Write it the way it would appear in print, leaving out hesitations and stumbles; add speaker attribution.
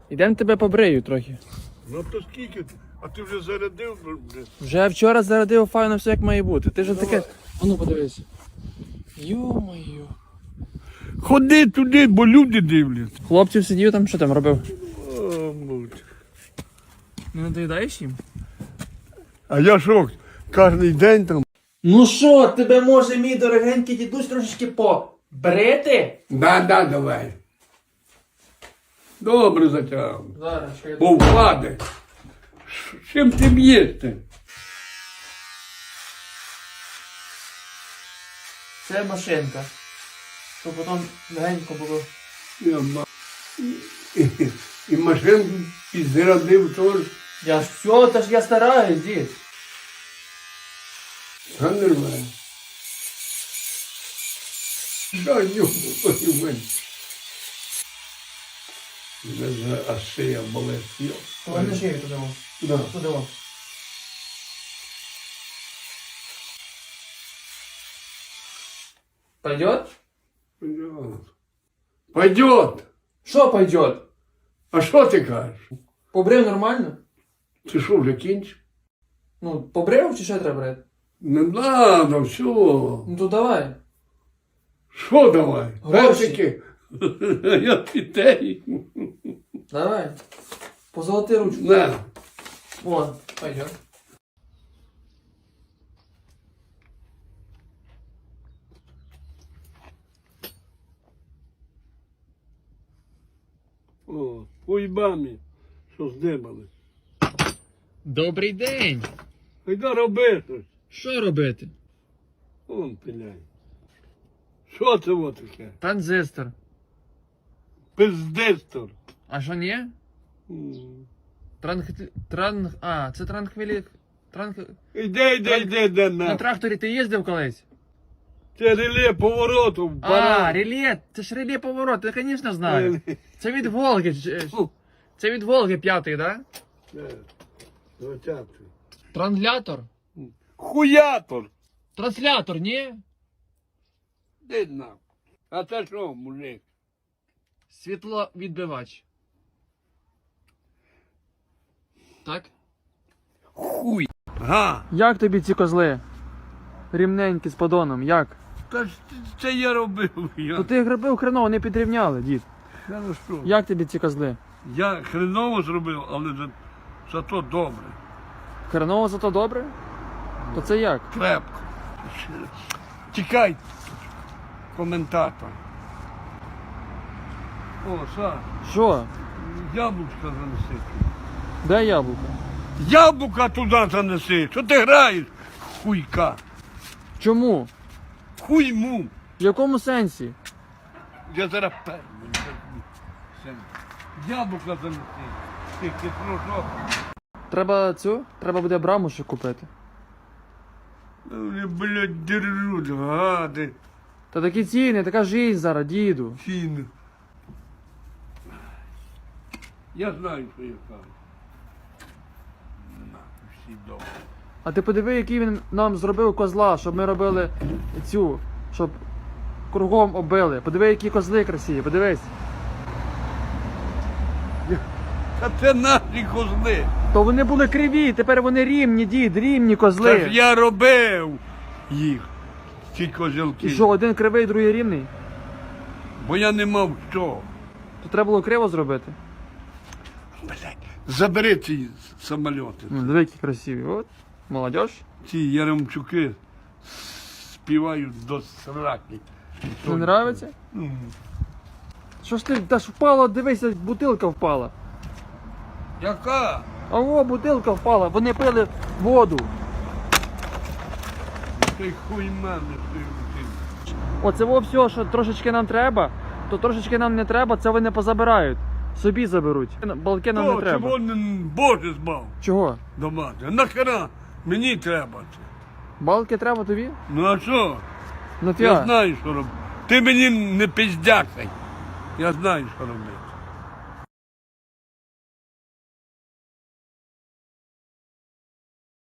Speaker 1: Ідемо тебе побрию трохи.
Speaker 2: Ну то скільки? А ти вже зарядив?
Speaker 1: Вже вчора зарядив файно все як має бути. Ти ж таке. А ну подивись. Йо-моє.
Speaker 2: Ходи туди, бо люди дивляться.
Speaker 1: Хлопців сидів там, що там робив?
Speaker 2: О, муть.
Speaker 1: Не надоїдаєш їм?
Speaker 2: А я що, кожен день там?
Speaker 1: Ну що, тебе може мій дорогенький дідусь трошечки побрити?
Speaker 2: Да, давай. Добре затягав.
Speaker 1: Зараз, що я
Speaker 2: Бо впаде. Чим ти б'єшся?
Speaker 1: Це машинка. Щоб потім легенько було.
Speaker 2: І машинку підзарядив теж.
Speaker 1: Я ж все, та ж я стараюсь, дід.
Speaker 2: Та нормально. Да, йому мене. Мене аж шия болить.
Speaker 1: Поверни шию туди.
Speaker 2: Да.
Speaker 1: Туди. Пойдет?
Speaker 2: Пойдет.
Speaker 1: Що пойдет?
Speaker 2: А що ти кажеш?
Speaker 1: Побрив нормально?
Speaker 2: Ти що, вже кінчив?
Speaker 1: Ну, побрив чи ще треба брати?
Speaker 2: Не надо, все.
Speaker 1: Ну то давай.
Speaker 2: Що давай?
Speaker 1: Гроші.
Speaker 2: Персики. Я дітей.
Speaker 1: Давай. Позолоти ручку.
Speaker 2: На.
Speaker 1: Вон, пойдет.
Speaker 2: О, уйбами, що здибали.
Speaker 1: Добрий день.
Speaker 2: Айда роби щось.
Speaker 1: Що робити?
Speaker 2: Он пиляй. Що це вот таке?
Speaker 1: Транзистор.
Speaker 2: Пиздистор.
Speaker 1: А що ні? Це транхвілі...
Speaker 2: Іди,
Speaker 1: На
Speaker 2: на.
Speaker 1: тракторі ти їздив колись?
Speaker 2: Це реле повороту.
Speaker 1: А, реле, це ж реле поворот, я, звісно, знаю. Це від Волги. Це від Волги п'ятий, да? Транслятор?
Speaker 2: Хуятор.
Speaker 1: Транслятор, ні?
Speaker 2: Де на? А це що, мужик?
Speaker 1: Світловідбивач. Так?
Speaker 2: Хуй. Га.
Speaker 1: Як тобі ці козли? Рівненькі з подоном, як?
Speaker 2: Та ж це я робив.
Speaker 1: То ти їх робив хреново, не підрівняли, дід.
Speaker 2: Хорошо.
Speaker 1: Як тобі ці козли?
Speaker 2: Я хреново зробив, але зато добре.
Speaker 1: Хреново зато добре? То це як?
Speaker 2: Крепко. Тікай, коментатор. О, Саш,
Speaker 1: Що?
Speaker 2: яблучка занеси.
Speaker 1: Де яблуко?
Speaker 2: Яблука туди занеси. Що ти граєш? Хуйка.
Speaker 1: Чому?
Speaker 2: Хуйму.
Speaker 1: В якому сенсі?
Speaker 2: Я зараз перну. Яблука занеси. Ти хитрожок.
Speaker 1: Треба буде браму ще купити.
Speaker 2: Вони, блядь, держуть, гади.
Speaker 1: Та такі ціни, така жизнь зараз, діду.
Speaker 2: Ціни. Я знаю, що я кажу. Нахуй всі добре.
Speaker 1: А ти подиви, який він нам зробив козла, щоб ми робили щоб кругом оббили. Подиви, які козли красиві, подивись.
Speaker 2: Та це наші козли.
Speaker 1: То вони були криві, тепер вони рівні, дід, рівні
Speaker 2: Це
Speaker 1: козли.
Speaker 2: ж я робив їх, ці козілки.
Speaker 1: І що, один кривий, другий рівний?
Speaker 2: Бо я не мав що.
Speaker 1: То треба було криво зробити.
Speaker 2: Блядь, забери ці самольоти.
Speaker 1: Диви, які красиві. От, молодь.
Speaker 2: Ці яремчуки співають до сраки.
Speaker 1: Не нравиться? Що ж ти, та ж впала, дивися, бутилка впала.
Speaker 2: Яка?
Speaker 1: А о, бутилка впала, вони пили воду.
Speaker 2: Ти хуй мене, ти.
Speaker 1: Оце во все, що трошечки нам треба, то трошечки нам не треба, це вони позабирають. Собі заберуть. Балки нам не треба.
Speaker 2: Чого не Боже збав
Speaker 1: Чого?
Speaker 2: дома? Нахера? Мені треба це.
Speaker 1: Балки треба тобі?
Speaker 2: Ну а що?
Speaker 1: Ну
Speaker 2: Я
Speaker 1: фіга.
Speaker 2: знаю, що робити. Ти мені не пиздякай. Я знаю, що робити.